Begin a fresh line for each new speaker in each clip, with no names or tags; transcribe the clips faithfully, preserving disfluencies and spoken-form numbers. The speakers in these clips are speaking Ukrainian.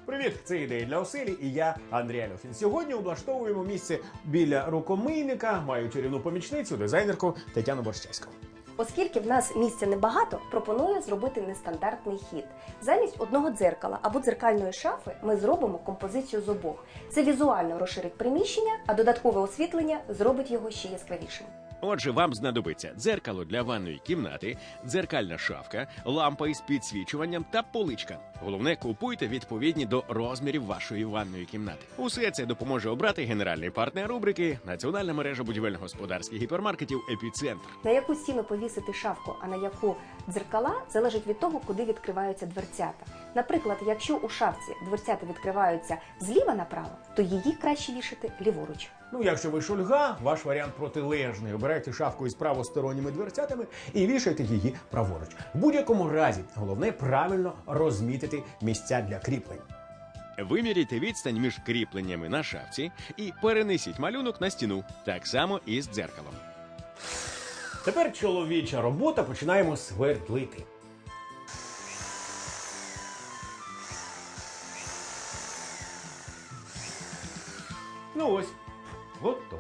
Привіт, це ідеї для оселі і я, Андрій Альохін. Сьогодні облаштовуємо місце біля рукомийника, маю чарівну помічницю, дизайнерку Тетяну Борщевську.
Оскільки в нас місця небагато, пропоную зробити нестандартний хід. Замість одного дзеркала або дзеркальної шафи ми зробимо композицію з обох. Це візуально розширить приміщення, а додаткове освітлення зробить його ще яскравішим.
Отже, вам знадобиться дзеркало для ванної кімнати, дзеркальна шафка, лампа із підсвічуванням та поличка. Головне, купуйте відповідні до розмірів вашої ванної кімнати. Усе це допоможе обрати генеральний партнер рубрики «Національна мережа будівельно-господарських гіпермаркетів «Епіцентр».
На яку стіну повісити шафку, а на яку дзеркала, залежить від того, куди відкриваються дверцята. Наприклад, якщо у шафці дверцята відкриваються зліва направо, то її краще вішати ліворуч.
Ну, якщо ви шульга, ваш варіант протилежний. Обирайте шафку із правосторонніми дверцятами і вішайте її праворуч. В будь-якому разі, головне правильно розмітити місця для кріплень.
Виміряйте відстань між кріпленнями на шафці і перенесіть малюнок на стіну, так само і з дзеркалом.
Тепер чоловіча робота, починаємо свердлити. Ну ось, готово.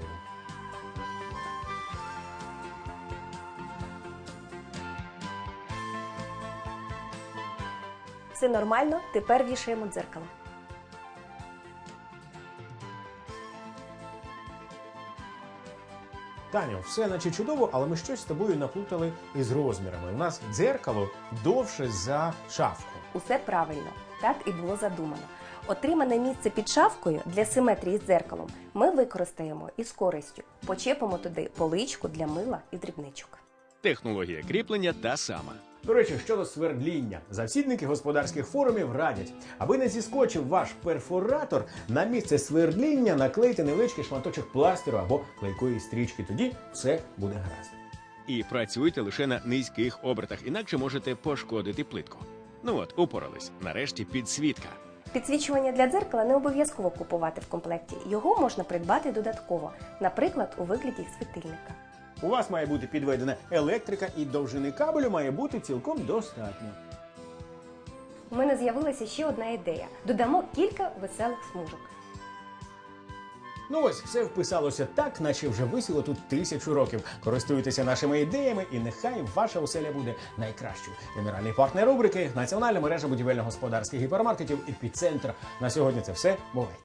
Все нормально, тепер вішаємо дзеркало.
Таню, все наче чудово, але ми щось з тобою наплутали із розмірами. У нас дзеркало довше за шафку.
Усе правильно, так і було задумано. Отримане місце під шафкою для симетрії з дзеркалом ми використаємо із користю. Почепимо туди поличку для мила і дрібничок.
Технологія кріплення та сама.
До речі, щодо свердління. Завсідники господарських форумів радять, аби не зіскочив ваш перфоратор, на місце свердління наклейте невеличкий шматочок пластиру або клейкої стрічки. Тоді все буде гаразд.
І працюйте лише на низьких обертах, інакше можете пошкодити плитку. Ну от, упорались. Нарешті підсвітка.
Підсвічування для дзеркала не обов'язково купувати в комплекті. Його можна придбати додатково, наприклад, у вигляді світильника.
У вас має бути підведена електрика і довжини кабелю має бути цілком достатньо.
У мене з'явилася ще одна ідея. Додамо кілька веселих смужок.
Ну ось, все вписалося так, наче вже висіло тут тисячу років. Користуйтеся нашими ідеями і нехай ваша оселя буде найкращою. Генеральний партнер рубрики – Національна мережа будівельно-господарських гіпермаркетів «Епіцентр». На сьогодні це все. Бувайте!